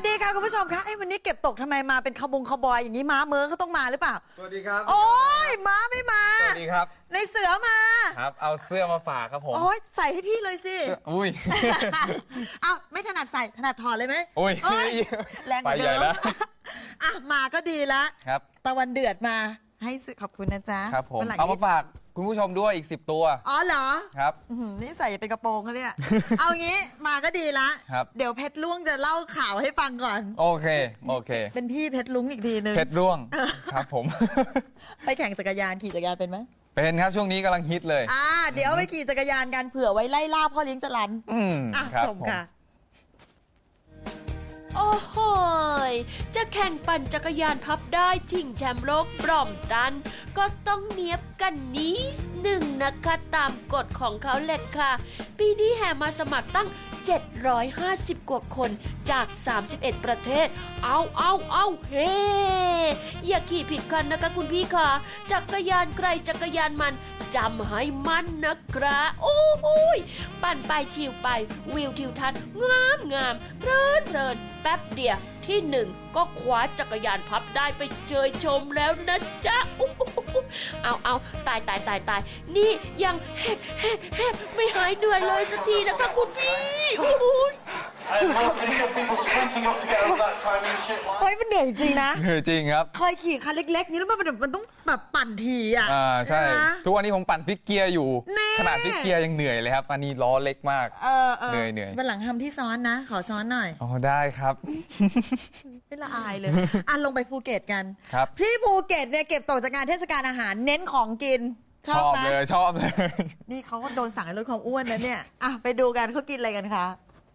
ดีค่ะคุณผู้ชมคะวันนี้เก็บตกทำไมมาเป็นขบอยอย่างนี้ม้าเมิร์เขาต้องมาหรือเปล่าสวัสดีครับโอ้ยม้าไม่มาสวัสดีครับในเสือมาครับเอาเสื้อมาฝากครับผมโอ้ยใส่ให้พี่เลยสิอุ้ยอ้าวไม่ถนัดใส่ถนัดถอดเลยไหมโอ้ยแรงกว่าเดิมอ่ะมาก็ดีละครับตะวันเดือดมาให้ขอบคุณนะจ๊ะครับผมเอามาฝากคุณผู้ชมด้วยอีก10ตัวอ๋อเหรอครับนี่ใส่เป็นกระโปรงเขาเนี่ยเอางี้มาก็ดีละเดี๋ยวเพชรลุงจะเล่าข่าวให้ฟังก่อนโอเคเป็นพี่เพชรลุงอีกทีนึงเพชรลุงครับผมไปแข่งจักรยานขี่จักรยานเป็นไหมเป็นครับช่วงนี้กำลังฮิตเลยเดี๋ยวไปขี่จักรยานกันเผื่อไว้ไล่ล่าพ่อเลี้ยงจรัญชมค่ะโอ้โหจะแข่งปั่นจักรยานพับได้ชิงแชมป์โลกบรอมตันก็ต้องเนียบกันนิดหนึ่งนะคะตามกฎของเขาแหละค่ะปีนี้แห่มาสมัครตั้ง750 กว่าคนจาก 31 ประเทศเอาเฮ้อย่าขี่ผิดคันนะคะคุณพี่ค่ะจักรยานใครจักรยานมันจำให้มั่นนะครับโอ้โหปั่นไปชิวไปวิวทิวทัศน์งามเพลินแป๊บเดียวที่1ก็คว้าจักรยานพับได้ไปเชยชมแล้วนะจ๊ะเอาตายนี่ยังแฮกไม่หายเหนื่อยเลยสักทีนะคะคุณพี่เฮ้ยมันเหนื่อยจริงนะเหนื่อยจริงครับเคยขี่คันเล็กๆนี้แล้วมันต้องแบบปั่นทีใช่ทุกวันนี้ผมปั่นฟิกเกียร์อยู่ขนาดฟิกเกียร์ยังเหนื่อยเลยครับอันนี้ล้อเล็กมากเหนื่อยวันหลังทำที่ซ้อนนะขอซ้อนหน่อยอ๋อได้ครับไม่ละอายเลยลงไปภูเก็ตกันครับที่ภูเก็ตเนี่ยเก็บตกจากงานเทศกาลอาหารเน้นของกินชอบเลยนี่เขาก็โดนสั่งให้ลดความอ้วนนะเนี่ยไปดูกันเขากินอะไรกันคะ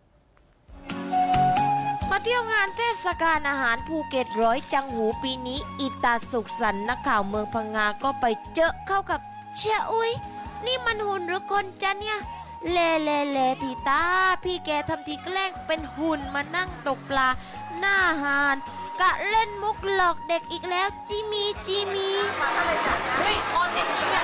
มาเที่ยวงานเทศกาลอาหารภูเก็ตร้อยจังหูปีนี้อิตาสุขสันต์นักข่าวเมืองพังงาก็ไปเจอเข้ากับเชี่ยอุ้ยนี่มันหุ่นหรือคนจ๊ะเนี่ยเลทีตาพี่แกทำทีแกล้งเป็นหุ่นมานั่งตกปลาหน้าหาดกะเล่นมุกหลอกเด็กอีกแล้วจิมีมาก็เลยจัดนะเฮ้ยคนจริงๆ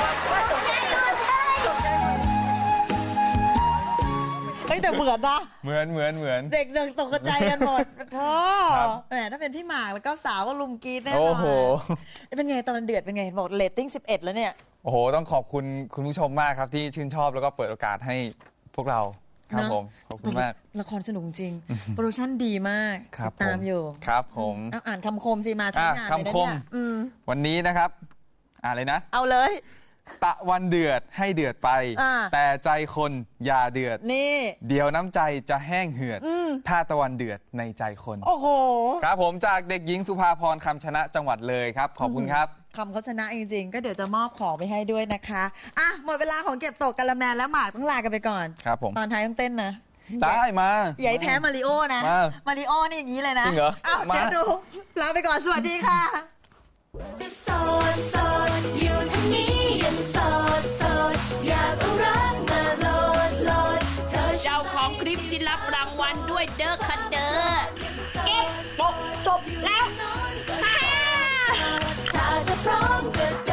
แต่เหมือนนะเหมือนเด็กตกใจกันหมดท้อแหมถ้าเป็นพี่หมากแล้วก็สาวก็ลุมกรี๊ดแน่นอนโอ้โหเป็นไงตอนเดือดเป็นไงบอกเรตติ้ง11แล้วเนี่ยโอ้โหต้องขอบคุณคุณผู้ชมมากครับที่ชื่นชอบแล้วก็เปิดโอกาสให้พวกเราครับผมขอบคุณมากละครสนุกจริงโปรดักชั่นดีมากตามอยู่ครับผมอ่านคำคมสิมาใช้งานเลยนะเนี่ยวันนี้นะครับเลยนะเอาเลยตะวันเดือดให้เดือดไปแต่ใจคนอย่าเดือดนี่เดี๋ยวน้ำใจจะแห้งเหือดถ้าตะวันเดือดในใจคนโอ้โหครับผมจากเด็กหญิงสุภาพรคำชนะจังหวัดเลยครับขอบคุณครับคำเขาชนะจริงๆก็เดี๋ยวจะมอบของไปให้ด้วยนะคะหมดเวลาของเก็บตกกะละแมและหมากต้องลากันไปก่อนครับผมตอนท้ายต้องเต้นนะได้มาอย่าให้แพ้มาริโอนะมาริโอนี่อย่างนี้เลยนะจริงเหรอเดี๋ยวดูลาไปก่อนสวัสดีค่ะโสดอยู่ที่นี้ยังโสดอยากเอารักมาโหลดเจ้าของคลิปสิรับรางวัลด้วยเด้อค่ะเด้อเก็บตกจบแล้วถ้าจะพร้อมก็